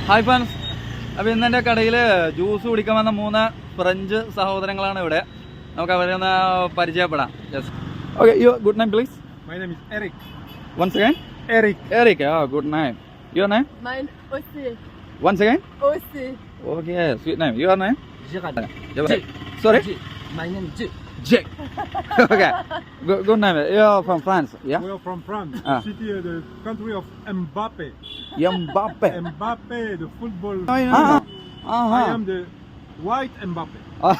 Hi friends, അപ്പോൾ ഇന്ന് എൻ്റെ കടയിൽ ജ്യൂസ് കുടിക്കാൻ വന്ന 3 ഫ്രഞ്ച് സഹോദരങ്ങളാണ് ഇവിടെ. നമുക്ക് അവരെ ഒന്ന് പരിചയപ്പെടാം. Yes, okay. Good name please. My name is Eric. Once again? Eric. Oh, good name. Your name? Mine aussi. Once again? Aussi. Okay, sweet name. Your name? Gérald. Sorry? My name is Jake. Okay, good name. You're from France, yeah? We are from France, the country of Mbappe. Mbappe. Mbappe, the football. Uh-huh. I am the white Mbappe.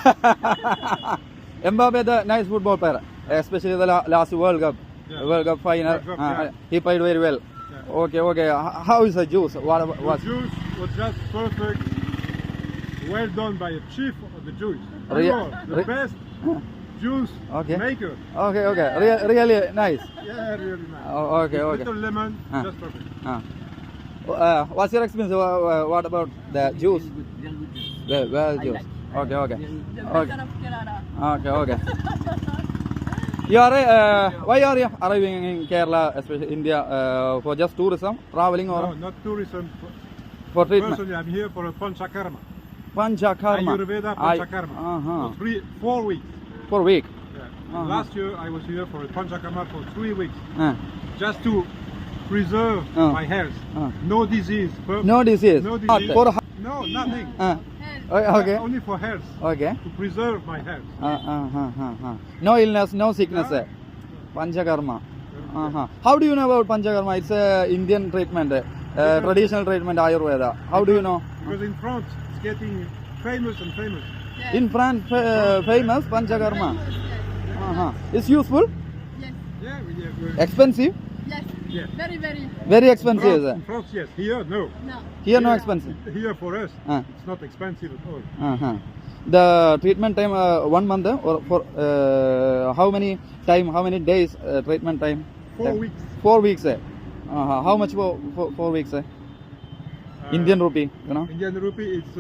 Mbappe, the nice football player, especially the last World Cup. Yeah. World Cup final. World Cup, yeah. He played very well. Yeah. Okay. How is the juice? The juice was just perfect. Well done by a chief of the juice. You are the best juice maker. Okay. Really nice. Yeah, really nice. Okay. Little lemon, just perfect. What's your experience? What about the juice? Well, juice. Okay. The version of Kerala. Okay. You are why are you arriving in Kerala, especially India, for just tourism, traveling, or No, not tourism. for treatment? Personally, I'm here for a panchakarma. Panchakarma. Ayurveda panchakarma. For 4 weeks. For a week. Yeah. Last year I was here for a panchakarma for 3 weeks, Uh, just to preserve my health. No disease. no disease. No disease. For No, nothing. okay. Only for health. Okay. To preserve my health. No illness, no sickness. Panchakarma. How do you know about Panchakarma? It's a Indian treatment, traditional treatment, Ayurveda. How do you know? Because in France it's getting famous and famous. Yes. In France, famous Panchakarma. Yes. It's useful, Yes. Yeah. expensive, Yes. Yeah. Very. very expensive. In France, yes. Here, no. No. Here, no expensive. Here for us, Ah. it's not expensive at all. The treatment time 1 month, or for how many days treatment time? 4 weeks. 4 weeks. How much for 4 weeks? Indian rupee, you know? Indian rupee, it's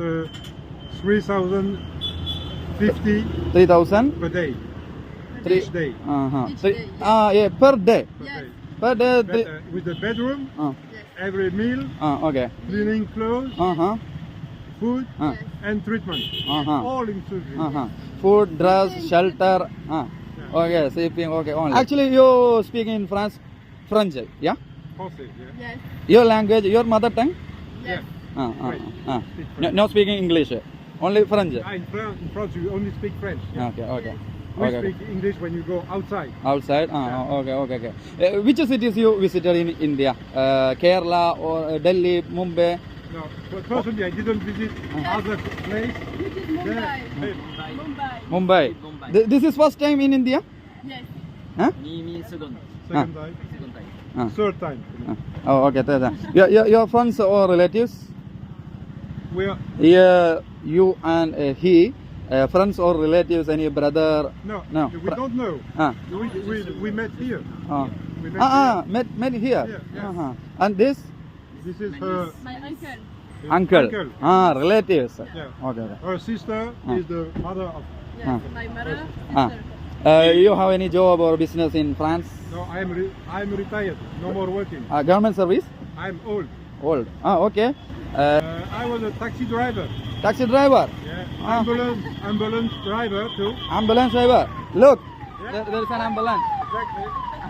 3,050 3,000. per day. Each day. Each day, Yeah, per day. Yes. Per day. But, with the bedroom, every meal, Okay. cleaning clothes, food, Yes. and treatment. All included. Food, dress, shelter. Okay, sleeping. Okay, only. Actually, you speak in France, French, yeah? Français, yeah. Yes. Your language, your mother tongue? Yes. No speaking English, only French. In France, you only speak French. Yeah. Okay. We speak English when you go outside. Outside? Okay. Which cities you visited in India? Kerala or Delhi, Mumbai? No, but personally, I didn't visit other place. You did Mumbai. Mumbai. This is first time in India? Yes. Second time. Third time. Oh, okay. Your friends or relatives? We are You and he, friends or relatives, any brother? no. We don't know. We met here. We met here. Met here. Yeah. And this? This is her My uncle. Uncle. Relatives. Yeah. Okay. Her sister is the mother of. Yes. My mother. Sister. You have any job or business in France? No, I'm retired. No more working. Government service? I'm old. Old. Okay. I was a taxi driver. Taxi driver. Yeah. Ambulance driver too. Ambulance driver. Look, Yeah. there is an ambulance. Exactly.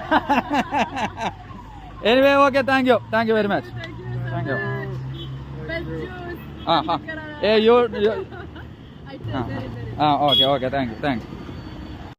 Anyway, okay. Thank you very much. Thank you. Best juice. Hey, you. I taste very. Okay. Thank you.